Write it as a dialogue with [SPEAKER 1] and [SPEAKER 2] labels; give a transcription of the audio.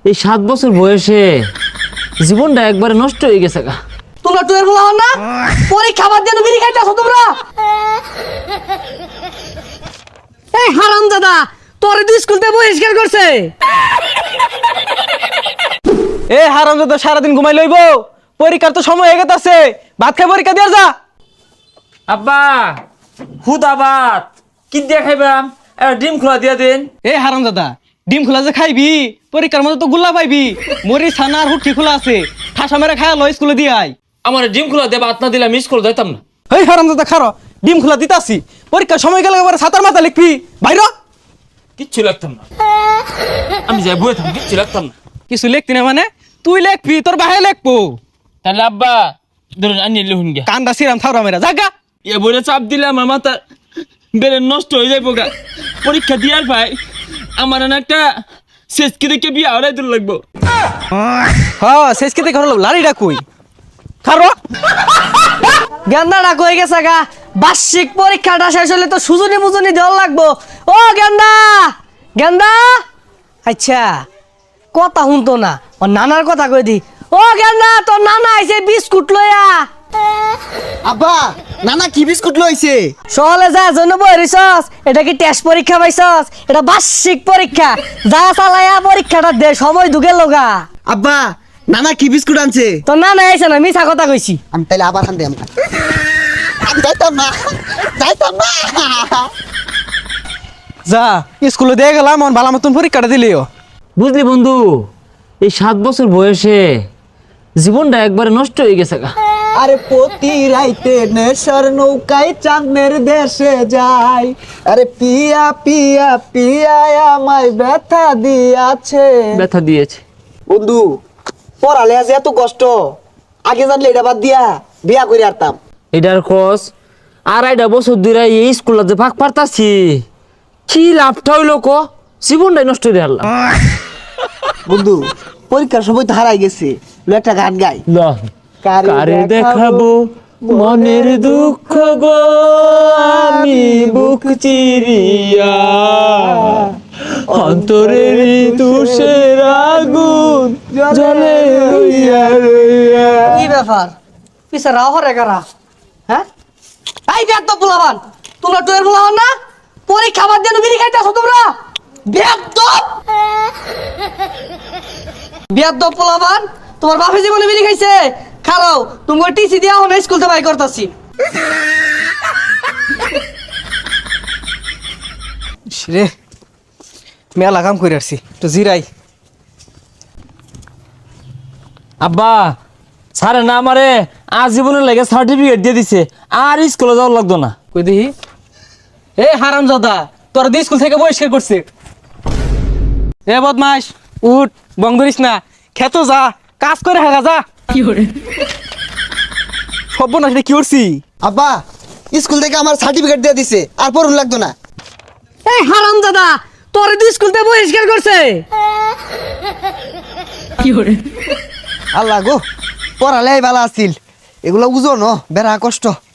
[SPEAKER 1] এই 7 বছর বয়সে জীবনটা একবারে নষ্ট হয়ে গেছে গা।
[SPEAKER 2] তোমরা টুয়ের বলা হন না পরীক্ষা বাদ দিয়ে বিড়ি খাইতেছো তোমরা। এই হারামজাদা তোরে তো স্কুলতে বহিষ্কার করছে।
[SPEAKER 3] এ হারামজাদা সারাদিন ঘুমাই লইব, পরীক্ষার তো সময় হয়ে গেছে, ভাত খাই পরীক্ষা দিয়ে যা।
[SPEAKER 1] আব্বা হুদাবাদ কি দিয়ে খাইবাম? ডিম খোলা দিয়া দেন।
[SPEAKER 3] এ হারামজাদা ডিম খোলা যে খাইবি, পরীক্ষার মধ্যে তো গুল্লা পাইবি। মরি ছানা আর হুটকি খোলা আছে, ঠাসা মেরে খায়া লো স্কুলে দিয়ে আই।
[SPEAKER 1] আমার ডিম খোলা দেবা ভাত না দিলে মিস করে যাইতাম না।
[SPEAKER 3] এই হারামজাদা খারো, ডিম খোলা দিতাছি, পরীক্ষার সময় গেলে এবারে ছাতার মাথা লিখবি বাইর।
[SPEAKER 1] কিচ্ছু লাগতাম না, আমি যাই বয়ে থাম, কিচ্ছু লাগতাম না।
[SPEAKER 3] কিছু লিখতি না মানে তুই লিখবি, তোর বাহে লিখবো।
[SPEAKER 1] তাহলে আব্বা ধরুন আনি লিখুন গিয়া।
[SPEAKER 3] কান্দা সিরাম থাউরা মেরা জাগা।
[SPEAKER 1] এ বইটা চাপ দিলে আমার মাথা বেড়ে নষ্ট হয়ে যাইব গা। পরীক্ষা দিয়ার ভাই আমার না একটা শেষ কি দেখে বিয়ে হওয়াই দূর লাগবো।
[SPEAKER 3] হ্যাঁ শেষ কেতে ঘর লাড়িটা কই খারো।
[SPEAKER 2] গেন্দাটা কই গেছে গা? বার্ষিক পরীক্ষাটা শেষ হলে তো সুজনি মুজনি দেওয়া লাগবো। ও গেন্দা গেন্দা, আচ্ছা কথা শুনতো না, ও নানার কথা কই দি। ও গেন্দা তোর নানা আইছে বিস্কুট লইয়া।
[SPEAKER 4] আব্বা নানা কি বিস্কুট লইছে?
[SPEAKER 2] সহলে যা জন্য বইরিছস, এটা কি টেস্ট পরীক্ষা পাইছস? এটা বার্ষিক পরীক্ষা, যা চালায়া পরীক্ষাটা দে, সময় ঢুকে লগা।
[SPEAKER 4] আব্বা নানা কি বিস্কুট আনছে?
[SPEAKER 2] তোর নানা আইছে না, মিছা কথা কইছি।
[SPEAKER 4] আমি তাইলে আবার আনতে আমি যাইতাম না, যাইতাম না।
[SPEAKER 3] যা স্কুলে দিয়ে গেলাম, মন ভালো মতন পরীক্ষাটা দিলিও।
[SPEAKER 1] বুঝলি বন্ধু, এই 7 বছর বয়সে জীবনটা একবারে নষ্ট হয়ে গেছে গা।
[SPEAKER 4] আরে প্রতি রাইতে নেশার নৌকায় চাঁদের দেশে যাই, আরে পিয়া পিয়া পিয়া আমায় ব্যথা দিয়াছে।
[SPEAKER 1] ব্যথা দিয়েছে
[SPEAKER 4] বন্ধু পড়ালে আজ এত কষ্ট, আগে জানলে এটা বাদ দিয়া বিয়া করে আরতাম।
[SPEAKER 1] এটার খোঁজ 2.5 বছর ধরে এই স্কুলে যে ভাগ পারতাছি, কি লাভটা হইলো ক? জীবনটাই নষ্ট হয়ে গেল।
[SPEAKER 4] বন্ধু পরীক্ষার সময় তো হারাই গেছে, একটা গান গাই।
[SPEAKER 1] কারে দেখাবো মনের দুঃখ গো, আমি বুক চিরিয়া অন্তরের তুষের আগুন জ্বলে রইয়া রইয়া।
[SPEAKER 2] কি ব্যাপার পিছে রাও হরে কারা? হ্যাঁ এই বেদ পোলাবান, তোমরা টুয়ের পোলাবান না পরীক্ষা বাদ দিয়ে বিড়ি খাইতেছো তোমরা। বেদ পোলাবান, তোমার বাপে জীবনে বিড়ি খাইছে? খারাও তুমি টিসি দিয়া হন স্কুল থেকে বাই করতাছি।
[SPEAKER 3] রে মেলা কাম করে আসছি, তো জিরাই।
[SPEAKER 1] আব্বা স্যারে না আমারে আজীবনের লাগে সার্টিফিকেট দিয়ে দিছে, আর স্কুলে যাওয়া লাগতো না।
[SPEAKER 3] কই দেখি। এ হারামজাদা তোর দিয়ে স্কুল থেকে বহিষ্কার করছে। এ বদমাস উঠ, বং ধরিস না, খেত যা, কাজ করে হাগা যা। কি করে সব না সেটা কি করছি?
[SPEAKER 4] আব্বা স্কুল থেকে আমার সার্টিফিকেট দিয়ে দিছে, আর পড়ুন লাগতো না।
[SPEAKER 2] এই হারামজাদা তোরে তো স্কুল থেকে বহিষ্কার করছে। কি করে
[SPEAKER 4] আল্লাহ গো পড়ালে ভালো আছিল, এগুলো বুঝো ন বেড়া কষ্ট।